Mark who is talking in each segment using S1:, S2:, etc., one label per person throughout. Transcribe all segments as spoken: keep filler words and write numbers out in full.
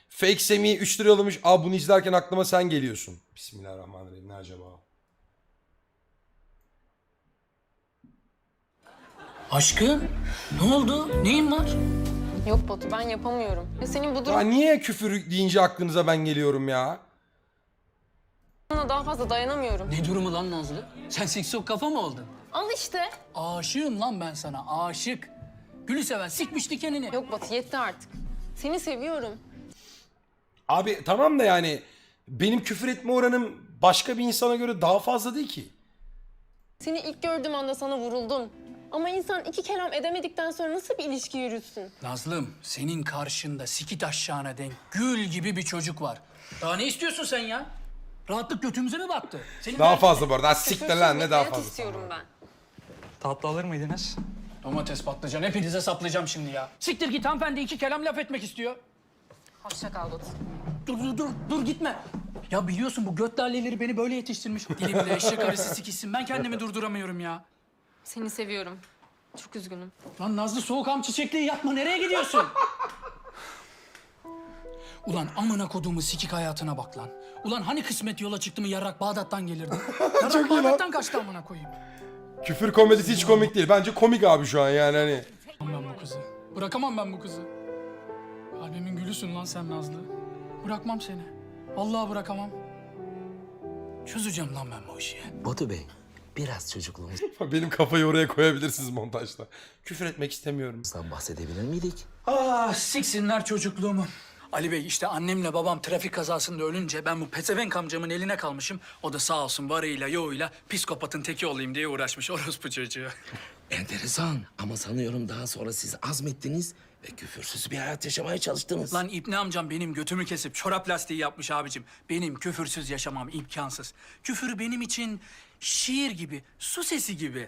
S1: Fake Semih'i üç lira yollamış. Aa bunu izlerken aklıma sen geliyorsun. Bismillahirrahmanirrahim. Ne acaba?
S2: Aşkım, ne oldu? Neyin var?
S3: Yok Batu ben yapamıyorum. Ya senin bu
S1: Ya
S3: durumuna
S1: niye küfür deyince aklınıza ben geliyorum ya?
S3: daha fazla dayanamıyorum.
S2: Ne durumu lan Nazlı? Sen siksok kafa mı oldun?
S3: Al işte.
S2: Aşığım lan ben sana, aşık. Gülü seven sikmiş dikenini.
S3: Yok Batu yetti artık. Seni seviyorum.
S1: Abi tamam da yani benim küfür etme oranım başka bir insana göre daha fazla değil ki.
S3: Seni ilk gördüğüm anda sana vuruldum. Ama insan iki kelam edemedikten sonra nasıl bir ilişki yürütsün?
S2: Nazlım, senin karşında sikit aşağına denk gül gibi bir çocuk var. Daha ne istiyorsun sen ya? Rahatlık götümüze mi battı? Senin
S1: Daha
S2: derdin
S1: fazla
S2: ne?
S1: bu arada. Ha, siktir lan ne daha
S3: Küfürsüz bir hayat
S1: fazla.
S3: istiyorum ben.
S4: Tatlı alır mıydınız?
S2: Domates patlıcan hepinize saplayacağım şimdi ya. Siktir git, hanımefendi iki kelam laf etmek istiyor.
S3: Hoşça kal Batu.
S2: Dur dur dur dur gitme. Ya biliyorsun bu göt lalleleri beni böyle yetiştirmiş. Dilimde eşek arısı sikişsin, ben kendimi durduramıyorum ya.
S3: Seni seviyorum. Çok üzgünüm.
S2: Lan Nazlı soğukam çiçekliği yapma, nereye gidiyorsun? Ulan amına koduğumu sikik hayatına bak lan. Ulan hani kısmet yola çıktı mı yarrak Bağdat'tan gelirdi? Yarrak
S1: Çok iyi lan.
S2: Bağdat'tan kaçtı amına koyayım.
S1: Küfür komedisi hiç komik değil. Bence komik abi şu an yani hani.
S2: Ben bu kızı. Bırakamam ben bu kızı. Kalbimin gülüsün lan sen Nazlı. Bırakmam seni. Vallahi bırakamam. Çözeceğim lan ben bu işi.
S5: Batu Bey, biraz çocukluğumuzdan
S1: Benim kafayı oraya koyabilirsiniz montajda. Küfür etmek istemiyorum.
S5: bahsedebilir miydik?
S2: Ah siksinler çocukluğumu. Ali Bey işte annemle babam trafik kazasında ölünce ben bu pezevenk amcamın eline kalmışım. O da sağ olsun varıyla yoğuyla psikopatın teki olayım diye uğraşmış orospu çocuğu.
S5: Enteresan ama sanıyorum daha sonra siz azmettiniz ve küfürsüz bir hayat yaşamaya çalıştınız.
S2: Lan İbni amcam benim götümü kesip çorap lastiği yapmış abicim. Benim küfürsüz yaşamam imkansız. Küfür benim için şiir gibi, su sesi gibi.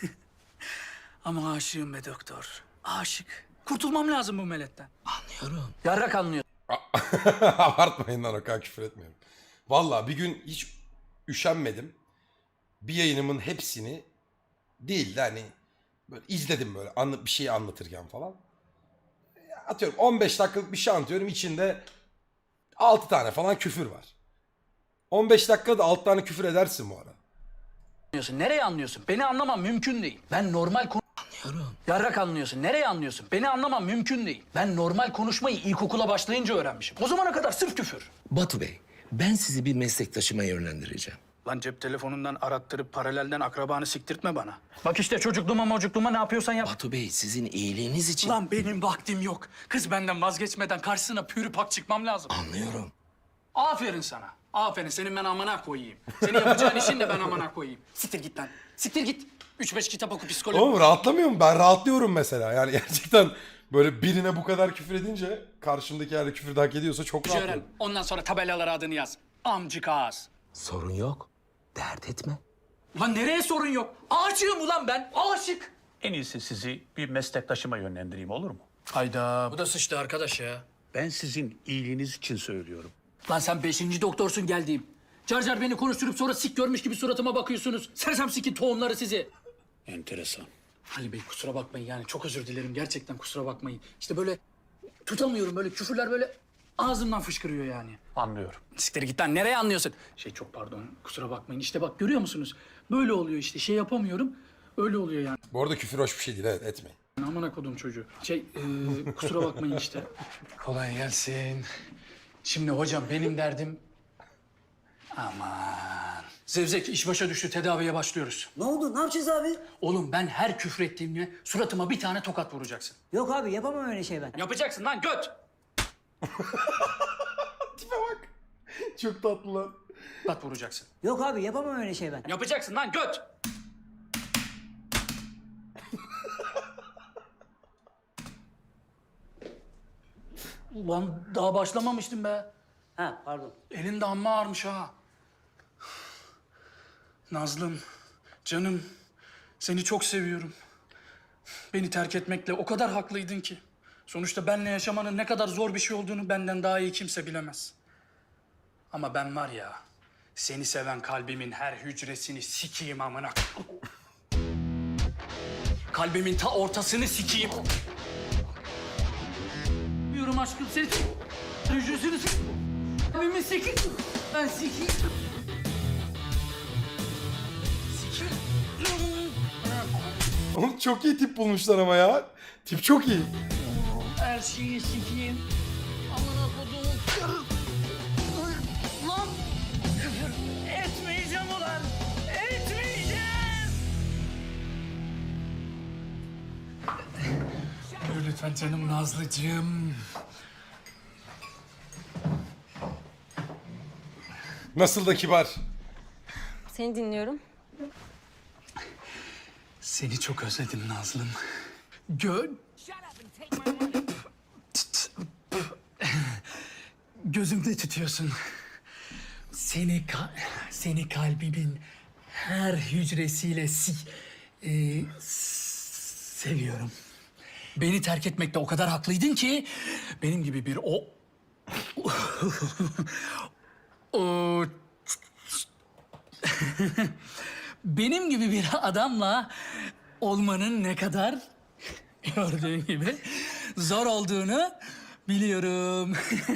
S2: Ama aşığım be doktor, aşık. Kurtulmam lazım bu meletten.
S5: Anlıyorum.
S2: Yarrak anlıyor.
S1: Abartmayın lan o kadar küfür etmiyorum. Vallahi bir gün hiç üşenmedim. Bir yayınımın hepsini değil de hani böyle izledim böyle anla, bir şeyi anlatırken falan. Atıyorum on beş dakikalık bir şey anlatıyorum. İçinde altı tane falan küfür var. on beş dakikada altı tane küfür edersin bu arada.
S2: Anlıyorsun. Nereye anlıyorsun? Beni anlamam mümkün değil. Ben normal konu...
S5: Anlıyorum.
S2: Yarrak anlıyorsun. Nereye anlıyorsun? Beni anlamam mümkün değil. Ben normal konuşmayı ilkokula başlayınca öğrenmişim. O zamana kadar sırf küfür.
S5: Batu Bey, ben sizi bir meslektaşıma yönlendireceğim.
S2: Lan cep telefonundan arattırıp paralelden akrabanı siktirtme bana. Bak işte çocukluğuma mocukluğuma ne yapıyorsan yap.
S5: Batu Bey, sizin iyiliğiniz için...
S2: Lan benim vaktim yok. Kız benden vazgeçmeden karşısına pürü pak çıkmam lazım.
S5: Anlıyorum.
S2: Aferin sana. Aferin. Senin ben amına koyayım. Senin yapacağın işin de ben amına koyayım. Siktir git lan. Siktir git. Üç beş kitap oku psikoloji.
S1: Oğlum rahatlamıyor mu? Ben rahatlıyorum mesela. Yani gerçekten böyle birine bu kadar küfür edince karşımdaki eğer küfür de hak ediyorsa çok
S2: öğren.
S1: rahatlıyorum.
S2: Ondan sonra tabelalara adını yaz. Amcık ağız.
S5: Sorun yok. Dert etme.
S2: Ulan nereye sorun yok? Aşığım ulan ben. Aşık.
S6: En iyisi sizi bir meslektaşıma yönlendireyim olur mu?
S2: Hayda. Bu da sıçtı arkadaş ya.
S6: Ben sizin iyiliğiniz için söylüyorum.
S2: Lan sen beşinci doktorsun geldiğim. Car car beni konuşturup sonra sik görmüş gibi suratıma bakıyorsunuz. Sersem sikin tohumları sizi.
S6: Enteresan.
S2: Ali Bey kusura bakmayın yani çok özür dilerim. Gerçekten kusura bakmayın. İşte böyle tutamıyorum böyle küfürler böyle ağzımdan fışkırıyor yani.
S6: Anlıyorum.
S2: Siktir git lan nereye anlıyorsun? Şey çok pardon kusura bakmayın. İşte bak görüyor musunuz? Böyle oluyor işte şey yapamıyorum. Öyle oluyor yani.
S1: Bu arada küfür hoş bir şey değil, evet, etmeyin.
S2: Amına kodum çocuğu. Şey e, kusura bakmayın işte. Kolay gelsin. Şimdi hocam benim derdim... Aman. Zevzek iş başa düştü tedaviye başlıyoruz.
S7: Ne oldu? Ne yapacağız abi?
S2: Oğlum ben her küfür ettiğimde suratıma bir tane tokat vuracaksın.
S7: Yok abi yapamam öyle şey ben.
S2: Yapacaksın lan göt.
S1: Tipe bak. Çok tatlı lan.
S2: Tokat vuracaksın.
S7: Yok abi yapamam öyle şey ben.
S2: Yapacaksın lan göt. Ulan daha başlamamıştım be.
S7: Ha pardon.
S2: Elin de amma ağırmış ha. Nazlım, canım, seni çok seviyorum. Beni terk etmekle o kadar haklıydın ki. Sonuçta benle yaşamanın ne kadar zor bir şey olduğunu benden daha iyi kimse bilemez. Ama ben var ya, seni seven kalbimin her hücresini sikeyim amına. Kalbimin ta ortasını sikeyim. Yürüm aşkım seni hücresini
S7: Anasını s***. Abimin seki. Ben seki.
S1: Oğlum çok iyi tip bulmuşlar ama ya. Tip çok iyi.
S7: Her şeyi sikeyim. Amına koduğum. Lan. Küfür etmeyeceğim ulan. Etmeyeceğim.
S2: Buyur lütfen canım Nazlıcığım.
S1: Nasıl da kibar.
S3: Seni dinliyorum.
S2: Seni çok özledim Nazlım. Gö... Gözümde tutuyorsun. Seni ka- seni kalbimin her hücresiyle si e, s- seviyorum. Beni terk etmekte o kadar haklıydın ki benim gibi bir o o benim gibi bir adamla olmanın ne kadar gördüğün gibi zor olduğunu biliyorum.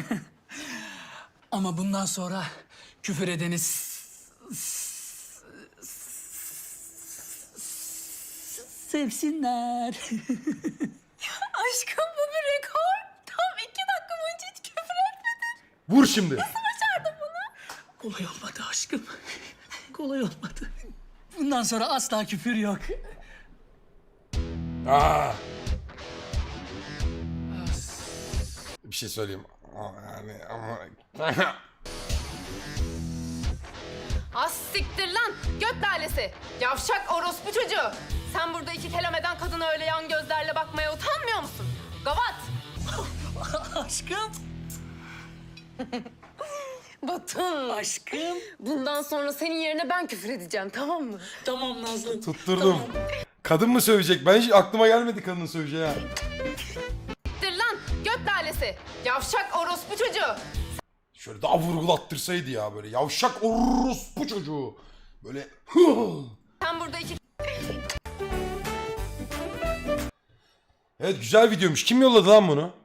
S2: Ama bundan sonra küfür edeni s- s- s- sevsinler.
S3: Aşkım bu bir rekor. Tam iki dakika boyunca hiç küfür etmedin.
S1: Vur şimdi.
S2: Kolay olmadı aşkım. Kolay olmadı. Bundan sonra asla küfür yok.
S1: Aa. Bir şey söyleyeyim. Aa, Yani ama...
S3: Az siktir lan göt lalesi. Yavşak orospu çocuğu. Sen burada iki kelam eden kadına öyle yan gözlerle bakmaya utanmıyor musun? Gavat.
S2: Aşkım.
S3: Batın.
S2: Aşkım.
S3: Bundan sonra senin yerine ben küfür edeceğim tamam mı?
S2: Tamam Nazlı.
S1: Tutturdum. Kadın mı sövecek? Ben hiç aklıma gelmedi kadının söveceği ha.
S3: Siktir lan göt lalesi. Yavşak orospu çocuğu.
S1: Şöyle daha vurgulattırsaydı ya böyle. Yavşak orospu çocuğu. Böyle...
S3: Sen burada iki
S1: Evet güzel videoymuş. Kim yolladı lan bunu?